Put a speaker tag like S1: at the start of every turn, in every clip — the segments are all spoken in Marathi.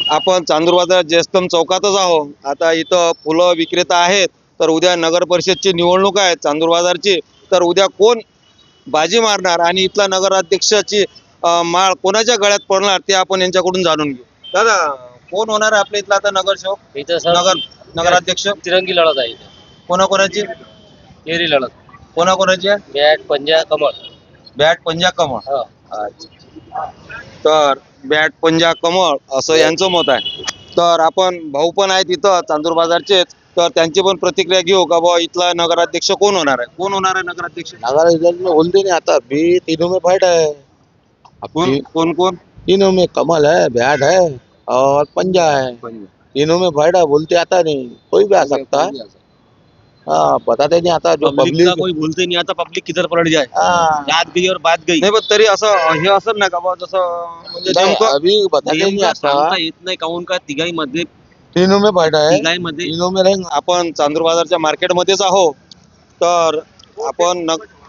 S1: आपण चांदूर बाजार जयस्तंभ चौकातच आहोत. आता इथं फुलं विक्रेता आहेत. तर उद्या नगर परिषदची निवडणूक आहे चांदूर बाजारची. तर उद्या कोण बाजी मारणार आणि इथला नगराध्यक्षाची माळ कोणाच्या गळ्यात पडणार ते आपण यांच्याकडून जाणून घेऊ. दादा, कोण होणार आहे आपल्या इथला आता नगरसेवक,
S2: इथं सर
S1: नगराध्यक्ष?
S2: तिरंगी लढत आहे इथं.
S1: कोणाकोणाची
S2: एरी लढत,
S1: कोणाकोणाची आहे?
S2: बॅट पंजा कमळ.
S1: बॅट पंजा कमळ.
S2: हो.
S1: अच्छा. तर बॅट पंजा कमळ असं यांचं मत आहे. तर आपण भाऊ पण आहेत इथं चांदूर बाजारचेच. तर त्यांची पण प्रतिक्रिया घेऊ का बुवा इथला नगराध्यक्ष कोण होणार आहे, कोण होणार आहे नगराध्यक्ष?
S3: नगर में बोलते नहीं आता, अभी तीनों में फाइट है।
S1: कोण कोण कोण?
S3: तीनों में कमल है, बैट है और पंजा है। तीनों में फाइट है, बोलते आता नहीं, कोई भी आ सकता है। हाँ, बताते नहीं आता जो
S2: पब्लिक का
S3: पब्लिक।
S2: कोई बोलते नहीं आता, पब्लिक किधर पलट जाए,
S3: हाँ,
S2: बात गई और बात गई.
S1: नाही पण तरी असं हे असं ना का बुवा जसं म्हणजे
S3: नहीं,
S1: नेमकं
S3: अभी बताते नहीं
S2: नेमकं
S3: आता।
S2: सांगता येत नाही काहून का तिघाई मध्ये
S3: तीनों में फाइट है,
S2: तिघाईमध्ये
S3: तीनों में रहेंगे।
S1: आपण चांदूर बाजारच्या मार्केटमध्येच आहोत. तर आपण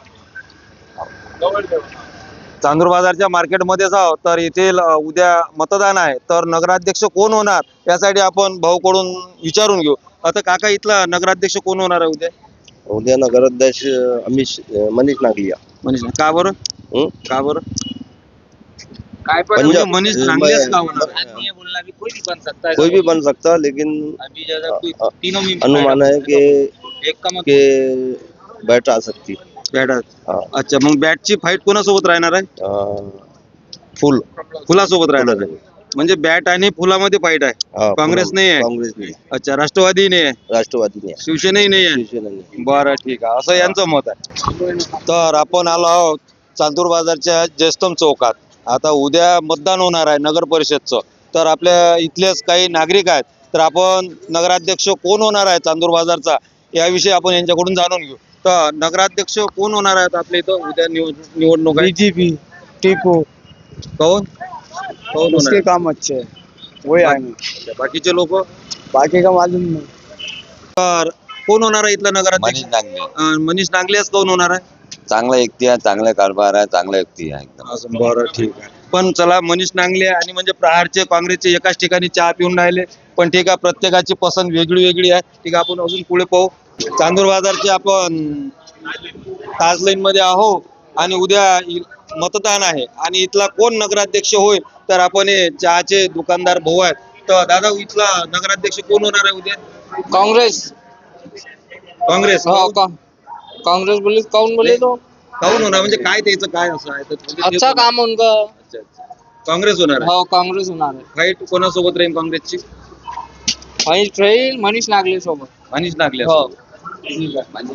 S1: चांदूर बाजारच्या मार्केटमध्येच आहोत. तर येथील उद्या मतदान आहे. तर नगराध्यक्ष कोण होणार यासाठी आपण भाऊकडून विचारून घेऊ. आता काका, इथला नगराध्यक्ष कोण होणार आहे उद्या?
S3: उद्या नगराध्यक्ष मनीष नागलिया।
S1: मनीष, का बरं?
S3: हं?
S1: का बरं?
S2: काय
S1: म्हणजे मनीष नांगलेच का होणार आहे?
S2: आदमी है बोलना कि कोई भी बन सकता है.
S3: कोई भी बन सकता, लेकिन
S2: अभी जैसा कोई तीनों में
S3: अनुमान है कि
S2: एक का मत
S3: बैट आ सकती।
S1: बॅट.
S3: हाँ,
S1: अच्छा, मग बॅटची फाईट कोणासोबत राहणार आहे?
S3: फुल
S1: फुलासोबत राहणार आहे. म्हणजे बॅट आणि फुलामध्ये फाईट आहे.
S3: हाँ,
S1: काँग्रेस
S3: फुल-
S1: नाही आहे?
S3: काँग्रेस नहीं,
S1: अच्छा, राष्ट्रवादी नाही आहे,
S3: राष्ट्रवादी नहीं,
S1: शिवसेनाही नाही आहे.
S3: शिवसेना नहीं।
S1: बरं, ठीक आहे, असं यांचं मत आहे. तर आपण आलो आहोत चांदूर बाजारच्या जयस्तंभ चौकात. आता उद्या मतदान होणार आहे नगर परिषदचं. तर आपल्या इथलेच काही नागरिक आहेत. तर आपण नगराध्यक्ष कोण होणार आहे चांदूर बाजारचा याविषयी आपण यांच्याकडून जाणून घेऊ. तर नगराध्यक्ष कोण होणार आहेत आपल्या इथं उद्या निवडणूक आहे?
S4: बीजेपी टीपू,
S1: कोण कोण
S4: उसके
S1: होणार?
S4: काम अच्छे है, वही आएंगे,
S1: अच्छा, बाकीचे लोक?
S4: बाकी का मालूम नहीं।
S1: तर कोण होणार आहे इथला नगराध्यक्ष?
S3: नागले
S1: मनीष नांगलेच कोण होणार आहे?
S3: चांगला व्यक्ती आहे, चांगला कारभार आहे, चांगला व्यक्ती आहे एकदम.
S1: असं, बरं, ठीक आहे. पण चला, मनीष नांगले आणि म्हणजे प्रहारचे काँग्रेसचे एकाच ठिकाणी चहा पिऊन राहिले. पण ठीक आहे, प्रत्येकाची पसंत वेगळी वेगळी आहे. ठीक आहे, आपण अजून पुढे पाहू. चांदूर बाजारचे आपण ताज लाईन मध्ये आहोत आणि उद्या मतदान आहे. आणि इथला कोण नगराध्यक्ष होईल तर आपण हे चहाचे दुकानदार भाऊ आहेत. तर दादा, इथला नगराध्यक्ष कोण होणार आहे उद्या?
S4: कांग्रेस,
S1: काँग्रेस.
S4: कांग्रेस बोले, कौन बोले तो
S1: काहून होणार म्हणजे काय त्याचं काय असं आहे? तर म्हणजे ते-
S4: अच्छा काम उनका।
S1: अच्छा, अच्छा. काँग्रेस होणार आहे.
S4: हाँ, कांग्रेस होणार है।
S1: फाईट कोणासोबत राहील काँग्रेसची?
S4: मनीष नागले सोबत।
S1: मनीष नागले.
S4: हो.
S1: ठीक आहे.